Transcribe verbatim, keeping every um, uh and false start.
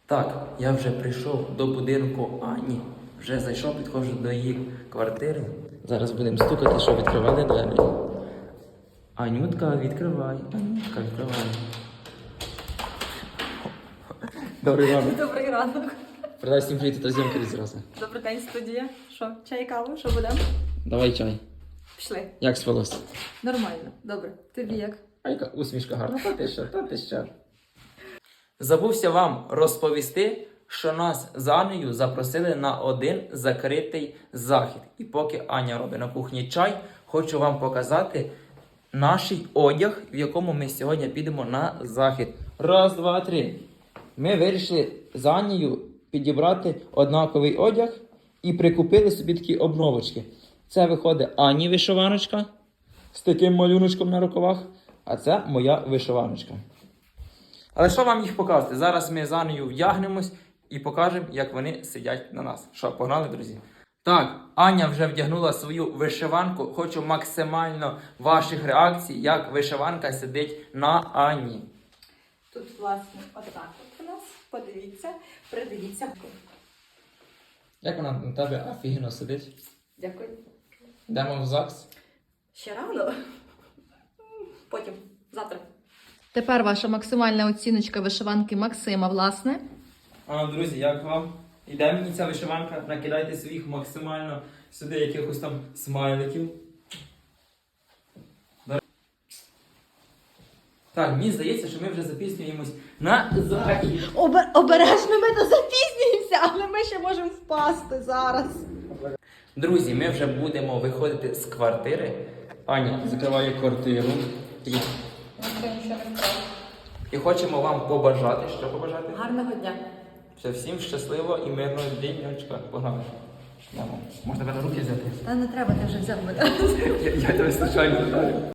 Так, я вже прийшов до будинку Ані. Вже зайшов, підходжу до її квартири. Зараз будемо стукати, щоб відкривали двері. Анютка, відкривай. Анютка, відкривай. Добрий ранок. Добрий ранок. Передай всім привіт, та зйомки зразу. Добрий день, студія. Що, чай, каву? Що будемо? Давай чай. Пішли. Як спалось? Нормально. Добре. Тобі як? А яка усмішка гарна. Та ти що, та ти що. Забувся вам розповісти, що нас з Анею запросили на один закритий захід. І поки Аня робить на кухні чай, хочу вам показати наш одяг, в якому ми сьогодні підемо на захід. Раз, два, три. Ми вирішили з Анією підібрати однаковий одяг і прикупили собі такі обновочки. Це виходить Ані вишиваночка з таким малюночком на рукавах, а це моя вишиваночка. Але що вам їх показати? Зараз ми з Анею вдягнемось і покажемо, як вони сидять на нас. Що, погнали, друзі? Так, Аня вже вдягнула свою вишиванку. Хочу максимально ваших реакцій, як вишиванка сидить на Ані. Тут, власне, отак от у нас. Подивіться, придивіться. Як вона на тебе офігенно сидить? Дякую. Йдемо в ЗАГС. Ще рано. Потім. Завтра. Тепер ваша максимальна оціночка вишиванки Максима, власне. А, друзі, як вам? Іде мені ця вишиванка, накидайте своїх максимально сюди якихось там смайликів. Так, мені здається, що ми вже запізнюємось на захід. Обер... Обережно, ми не запізнюємося, але ми ще можемо впасти зараз. Друзі, ми вже будемо виходити з квартири. Аня закриває квартиру. І, і хочемо вам побажати. Що побажати? Гарного дня. Все, всім щасливо і мирного діньочка. Погнали. Йдемо. Можна тебе на руки взяти? Та не треба, ти вже взяв мене. Я, я тебе случайно вдарив.